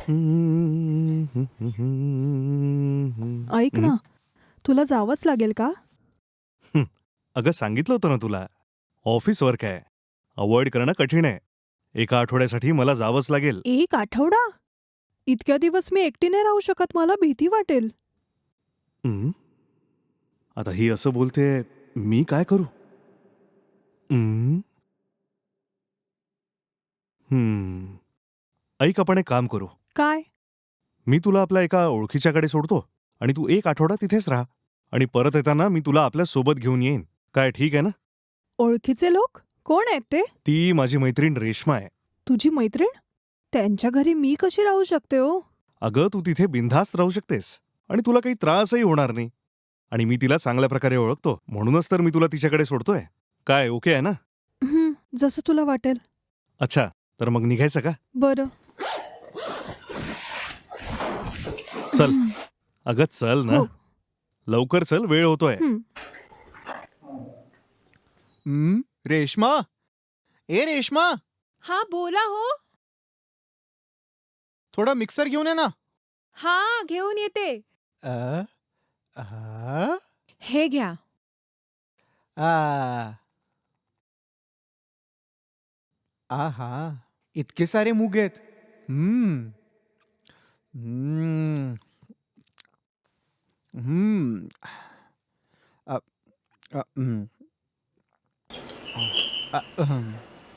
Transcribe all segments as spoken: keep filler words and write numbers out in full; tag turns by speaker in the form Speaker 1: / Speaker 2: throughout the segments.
Speaker 1: ऐक
Speaker 2: हं.
Speaker 1: ना, तुला जावंच लागेल का?
Speaker 2: हं. अगं सांगितलं होतं ना तुला. ऑफिस वर्क आहे. अव्हॉइड करणं कठीण आहे. एका आठवड्यासाठी मला जावंच लागेल.
Speaker 1: एक आठवडा? इतक्या दिवस मी एकटी नाही राहू शकत. मला भीती वाटेल.
Speaker 2: हं. आता ही असं बोलतेय, मी काय करू? हं. हं. ऐक, आपण एक काम करू.
Speaker 1: काय?
Speaker 2: मी तुला आपल्या एका ओळखीच्याकडे सोडतो आणि तू एक आठवडा तिथेच राहा आणि परत येताना मी तुला आपल्या सोबत घेऊन येईन. काय ठीक आहे ना?
Speaker 1: ओळखीचे लोक? कोण आहेत ते?
Speaker 2: ती माझी मैत्रीण रेश्मा आहे.
Speaker 1: तुझी मैत्रीण? त्यांच्या घरी मी कशी राहू शकते हो?
Speaker 2: अगं, तू तिथे बिनधास्त राहू शकतेस आणि तुला काही त्रासही होणार नाही. आणि मी तिला चांगल्या प्रकारे ओळखतो, म्हणूनच तर मी तुला तिच्याकडे सोडतोय. काय ओके आहे ना?
Speaker 1: हं, जसं तुला वाटेल.
Speaker 2: अच्छा, तर मग निघायचं का?
Speaker 1: बरं.
Speaker 2: चल. अगं चल ना.
Speaker 1: हो.
Speaker 2: लवकर चल, वेळ होतोय.
Speaker 1: हं.
Speaker 3: हं, रेश्मा? ए रेश्मा,
Speaker 4: हा बोला हो.
Speaker 3: थोडा मिक्सर घेऊन ये ना.
Speaker 4: हा घेऊन येते.
Speaker 3: अ, आ,
Speaker 4: हे घ्या.
Speaker 3: आ. आहा, इतके सारे मूग आहेत. हम्म. हम्म. हम्म. अ, अ, हं. अ, अहं.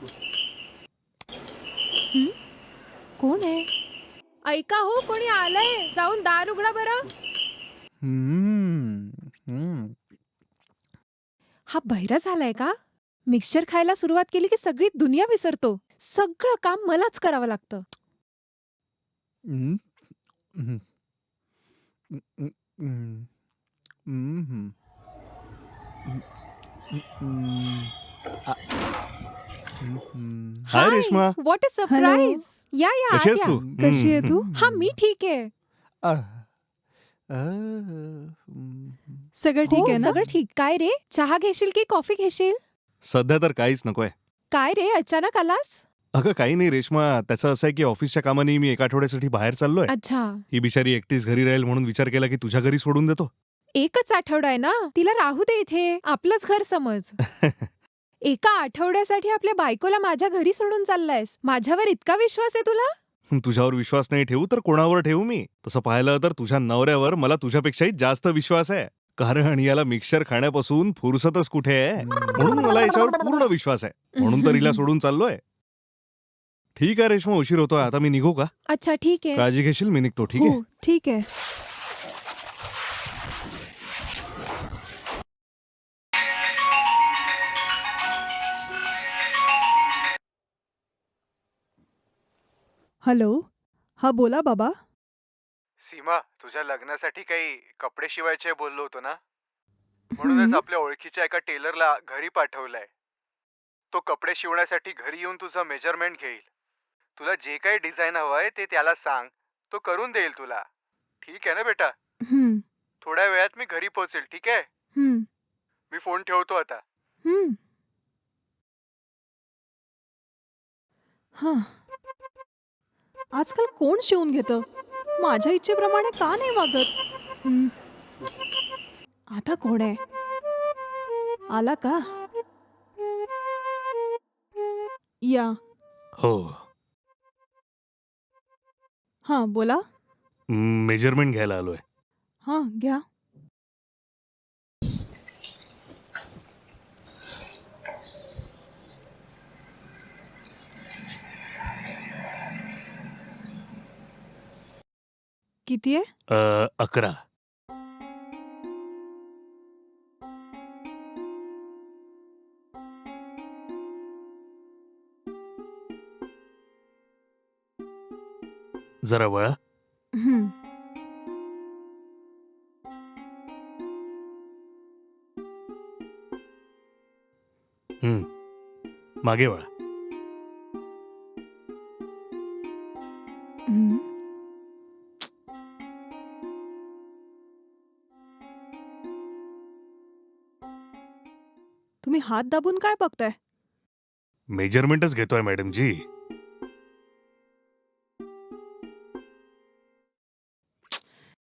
Speaker 4: हं? कोण आहे? ऐका हो, कोणी आलंय. जाऊन दार उघडा बरं.
Speaker 3: हम्म. हम्म.
Speaker 4: हा बहिरा झालाय का? मिक्सचर खायला सुरुवात केली की सगळी दुनिया विसरतो. सगळं काम मलाच करावं लागतं.
Speaker 3: हं. हं. हं, हं, हं. हम्म. हं, हं, हं. आ. हं, हं.
Speaker 2: Hi
Speaker 4: hi,
Speaker 2: Reshma.
Speaker 4: What a
Speaker 1: hello.
Speaker 4: Surprise. या या
Speaker 2: कशी
Speaker 4: आत
Speaker 2: आहेस
Speaker 4: या.
Speaker 2: तू?
Speaker 1: कशी आहे
Speaker 2: हं.
Speaker 1: तू?
Speaker 4: हा मी ठीक आहे.
Speaker 3: आह. अ, हं.
Speaker 1: सगळं ठीक
Speaker 4: हो
Speaker 1: आहे ना?
Speaker 4: सगळं ठीक. काय रे, चहा घेशील की कॉफी घेशील?
Speaker 2: सध्या तर काहीच नकोय.
Speaker 4: काय रे, अचानक आलास?
Speaker 2: अगं काही नाही रेश्मा, त्याचं असं आहे की ऑफिसच्या कामाने मी एका आठवड्यासाठी बाहेर चाललोय.
Speaker 4: अच्छा.
Speaker 2: ही बिचारी एकटीच घरी राहील म्हणून विचार केला की तुझ्या घरी सोडून देतो.
Speaker 4: एकच आठवडा आहे ना, तिला राहू दे इथे. आपलंच घर समज. एका आठवड्यासाठी आपल्या बायकोला माझ्या घरी सोडून चाललायस. माझ्यावर इतका विश्वास आहे तुला?
Speaker 2: तुझ्यावर विश्वास नाही ठेवू तर कोणावर ठेवू मी? तसं पाहिलं तर तुझ्या नवऱ्यावर मला तुझ्यापेक्षाही जास्त विश्वास आहे. कारण याला मिक्सचर खाण्यापासून फुरसतच कुठे आहे. म्हणून मला याच्यावर पूर्ण विश्वास आहे. म्हणून तर हिला सोडून चाललोय. ठीक आहे रेश्मा, उशीर होतोय. आता मी निघू का?
Speaker 4: अच्छा ठीक आहे.
Speaker 2: काळजी घेशील, मी निघतो. ठीक आहे?
Speaker 1: हो, ठीक आहे. हॅलो. हा बोला बाबा.
Speaker 3: सीमा, तुझ्या लग्नासाठी काही कपडे शिवायचे बोललो होतो ना,
Speaker 1: हं.
Speaker 3: म्हणूनच आपल्या ओळखीच्या एका टेलरला घरी पाठवलंय. तो कपडे शिवण्यासाठी घरी येऊन तुझं मेजरमेंट घेईल. तुला जे काही डिझाईन हवंय ते त्याला सांग, तो करून देईल तुला. ठीक आहे ना बेटा?
Speaker 1: हं.
Speaker 3: थोड्या वेळात मी घरी पोहोचेल. ठीक आहे?
Speaker 1: हं.
Speaker 3: मी फोन ठेवतो आता.
Speaker 1: हं. हां. आजकाल कोण शिवून घेतं? माझ्या इच्छेप्रमाणे का नाही वागत? हं. आता कोण आहे? आला का? या.
Speaker 2: हो.
Speaker 1: हां, बोला.
Speaker 2: मेजरमेंट घ्यायला आलोय.
Speaker 1: हां, घ्या. किती आहे?
Speaker 2: अ, अकरा. जरा वळा.
Speaker 1: हं.
Speaker 2: हं. मागे वळा.
Speaker 1: हं. तुम्ही हात दाबून काय बघताय?
Speaker 2: मेजरमेंटच घेतोय मॅडमजी.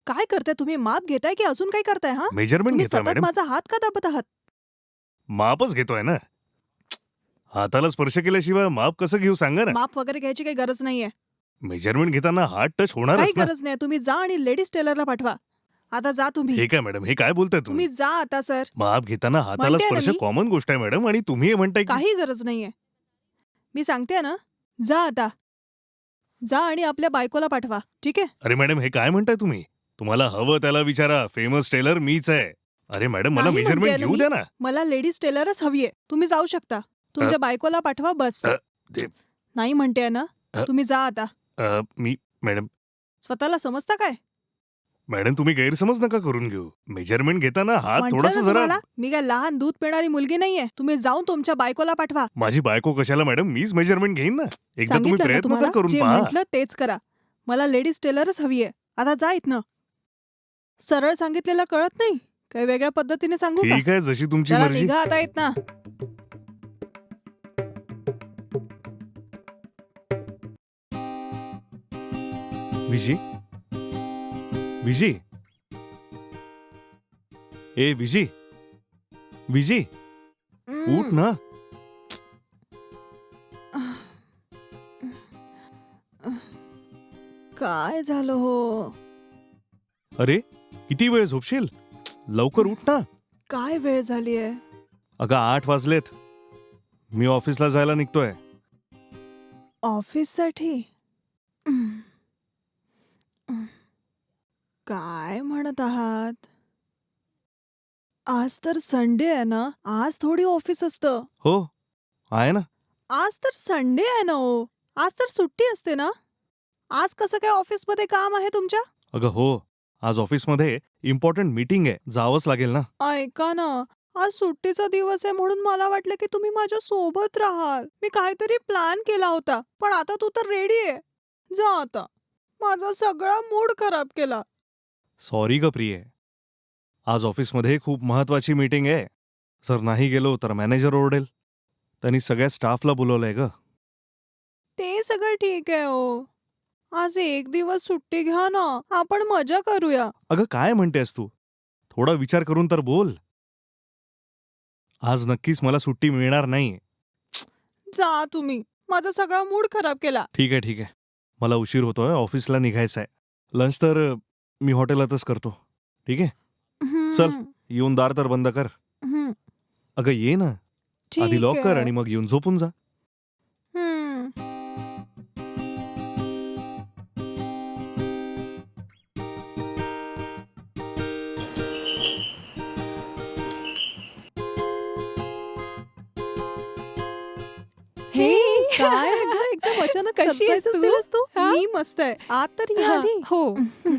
Speaker 1: काय करताय तुम्ही? माप घेताय की अजून काय करताय? हा
Speaker 2: मेजरमेंट
Speaker 1: तुम्ही
Speaker 2: घेतोय
Speaker 1: सतत
Speaker 2: मॅडम.
Speaker 1: माझा हात का दाबत आहात?
Speaker 2: मापच घेतोय ना. हाताला स्पर्श केल्याशिवाय माप कसं घेऊ सांगा ना.
Speaker 1: माप वगैरे घ्यायची काही गरज नाहीये.
Speaker 2: मेजरमेंट घेताना हात टच
Speaker 1: काही
Speaker 2: होणारच ना.
Speaker 1: गरज नाही. तुम्ही जा आणि लेडीज टेलरला पाठवा. आता जा तुम्ही.
Speaker 2: हे काय मॅडम, हे काय बोलताय तुम्ही?
Speaker 1: तुम्ही जा आता सर.
Speaker 2: माप घेताना हाताला
Speaker 1: म्हणतेय ना
Speaker 2: स्पर्श
Speaker 1: मी.
Speaker 2: कॉमन गोष्ट आहे मॅडम, आणि तुम्ही हे म्हणताय की
Speaker 1: काही गरज नाहीये. मी सांगते ना, जा आता. जा आणि आपल्या बायकोला पाठवा. ठीक आहे?
Speaker 2: अरे मॅडम, हे काय म्हणताय तुम्ही? तुम्हाला हवं त्याला विचारा. फेमस टेलर मीच आहे. अरे मॅडम, मला
Speaker 1: नाही
Speaker 2: मेजरमेंट
Speaker 1: म्हणतेय ना
Speaker 2: घेऊ
Speaker 1: मी.
Speaker 2: द्या ना.
Speaker 1: मला लेडीज टेलरच हवीये. तुम्ही जाऊ शकता. तुमच्या बायकोला पाठवा बस.
Speaker 2: अ, ते-
Speaker 1: नाही म्हणतेय ना,
Speaker 2: अ,
Speaker 1: तुम्ही जा आता.
Speaker 2: अ, मी मॅडम
Speaker 1: स्वतःला समजता काय?
Speaker 2: मॅडम तुम्ही गैरसमज नका करून घेऊ. मेजरमेंट घेताना हात
Speaker 1: म्हटलं
Speaker 2: थोडासा
Speaker 1: ना
Speaker 2: जरा.
Speaker 1: तुम्हाला, मी काय लहान दूध पिणारी मुलगी नाहीये. तुम्ही जाऊन तुमच्या बायकोला पाठवा.
Speaker 2: माझी बायको कशाला मॅडम, मीच मेजरमेंट घेईन ना. एकदा तुम्ही
Speaker 1: सांगितलं ना
Speaker 2: प्रयत्न तर
Speaker 1: तुम्हाला,
Speaker 2: करून
Speaker 1: जे
Speaker 2: पहा.
Speaker 1: म्हटलं तेच करा. मला लेडीज टेलरच हवीये. आता जा इथनं. सरळ सांगितलेलं कळत नाही? काही वेगळ्या पद्धतीने सांगू का?
Speaker 2: ठीक आहे, जशी तुमची
Speaker 1: चला
Speaker 2: मर्जी.
Speaker 1: निघा आता इथनं.
Speaker 2: विजी विजी ए विजी विजी उठ ना.
Speaker 1: काय झालं हो?
Speaker 2: अरे किती वेळ झोपशील? लवकर उठ ना.
Speaker 1: काय वेळ झालीये?
Speaker 2: अगं आठ वाजलेत. मी ऑफिसला जायला निघतोय.
Speaker 1: ऑफिससाठी? काय म्हणत आहात? आज तर संडे आहे ना. आज थोडी ऑफिस असतं.
Speaker 2: हो आहे ना.
Speaker 1: आज तर संडे आहे ना हो. आज तर सुट्टी असते ना. आज कसं काय ऑफिसमध्ये काम आहे तुमच्या?
Speaker 2: अगं हो, आज ऑफिसमध्ये इम्पॉर्टंट मीटिंग आहे, जावंच लागेल ना.
Speaker 1: ऐका ना, आज सुट्टीचा दिवस आहे म्हणून मला वाटलं की तुम्ही माझ्या सोबत राहाल. मी काहीतरी प्लॅन केला होता, पण आता तू तर रेडी आहे. जा आता. माझा सगळा मूड खराब केला.
Speaker 2: सॉरी ग प्रिये, आज ऑफिसमध्ये खूप महत्वाची मीटिंग आहे. जर नाही गेलो तर मॅनेजर ओरडेल. त्यांनी सगळ्या स्टाफला बोलवलंय ग.
Speaker 1: ते सगळं ठीक आहे हो. आज एक दिवस सुट्टी घ्या ना. आपण मजा करूया.
Speaker 2: अगं काय म्हणतेस तू? थोडा विचार करून तर बोल. आज नक्कीच मला सुट्टी मिळणार नाही.
Speaker 1: जा तुम्ही. माझा सगळा मूड खराब केला.
Speaker 2: ठीक आहे ठीक आहे, मला उशीर होतोय, ऑफिसला निघायचं आहे. लंच तर अ, मी हॉटेलातच करतो. ठीक आहे, चल.
Speaker 1: हम्म,
Speaker 2: येऊन दार तर बंद कर.
Speaker 1: हम्म,
Speaker 2: अगं ये ना, आधी
Speaker 1: ठीक
Speaker 2: लॉक कर
Speaker 1: आहे.
Speaker 2: आणि मग येऊन झोपून जा.
Speaker 1: हम्म.
Speaker 4: हे
Speaker 1: काय आहे गं, एकदम अचानक
Speaker 4: कशी आहेस
Speaker 1: सरप्राईजच
Speaker 4: तू?
Speaker 1: दिलंस तू?
Speaker 4: हा?
Speaker 1: मी मस्त आहे. आत तर ये
Speaker 4: हा,
Speaker 1: आधी.
Speaker 4: हो.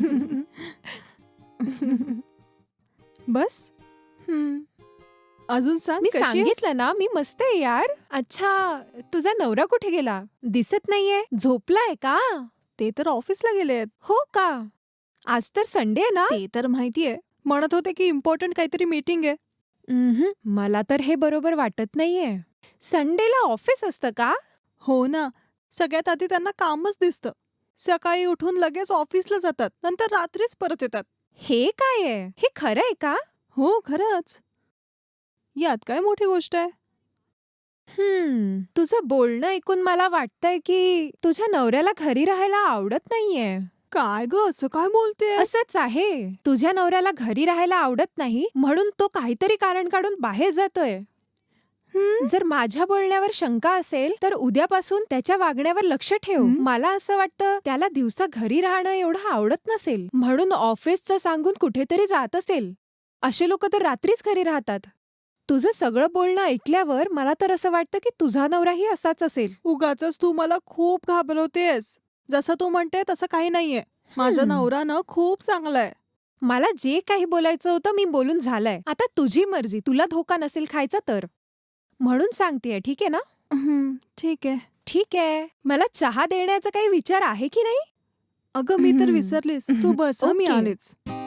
Speaker 1: बस
Speaker 4: हम्म.
Speaker 1: अजून सांग
Speaker 4: मी
Speaker 1: कशी आहेस?
Speaker 4: सांगितलं ना, मी मस्त आहे यार. अच्छा, तुझा नवरा कुठे गेला? दिसत नाहीये. झोपलाय का?
Speaker 1: ते तर ऑफिसला गेलेत.
Speaker 4: हो का? आज तर संडे आहे ना?
Speaker 1: ते तर माहितीये. म्हणत होते की इम्पॉर्टंट काहीतरी मीटिंग आहे.
Speaker 4: उम्हम, मला तर हे बरोबर वाटत नाहीये. संडेला ऑफिस असतं का?
Speaker 1: हो ना. सगळ्यात आधी त्यांना कामच दिसतं. सकाळी उठून लगेच ऑफिसला जातात, नंतर रात्रीच परत येतात.
Speaker 4: हे काय आहे? हे खरं आहे का?
Speaker 1: हो खरंच. यात काय मोठी गोष्ट आहे?
Speaker 4: हम्म, तुझं बोलणं ऐकून मला वाटतंय की तुझ्या नवऱ्याला घरी राहायला आवडत नाहीये.
Speaker 1: काय ग असं काय बोलते?
Speaker 4: असंच आहे. तुझ्या नवऱ्याला घरी राहायला आवडत नाही म्हणून तो काहीतरी कारण काढून बाहेर जातोय. जर माझ्या बोलण्यावर शंका असेल तर उद्यापासून त्याच्या वागण्यावर लक्ष ठेव.
Speaker 1: हं?
Speaker 4: मला असं वाटतं त्याला दिवसा घरी राहणं एवढं आवडत नसेल म्हणून ऑफिसचं सांगून कुठेतरी जात असेल. असे लोक तर रात्रीच घरी राहतात. तुझं सगळं बोलणं ऐकल्यावर मला तर असं वाटतं की तुझा नवराही असाच असेल.
Speaker 1: उगाचच तू मला खूप घाबरवतेस. जसं तू म्हणते तसं काही नाहीये. माझा
Speaker 4: हं.
Speaker 1: नवरा ना खूप चांगला आहे.
Speaker 4: मला जे काही बोलायचं होतं मी बोलून झालंय. आता तुझी मर्जी, तुला धोका नसेल खायचा तर. म्हणून सांगतेय, ठीक आहे ना?
Speaker 1: हं, ठीक आहे.
Speaker 4: ठीक आहे. मला चहा देण्याचा काही विचार आहे की नाही?
Speaker 1: अगं मी तर
Speaker 4: हं.
Speaker 1: विसरलीस. तू बस हं, मी
Speaker 4: ओके.
Speaker 1: आलेच.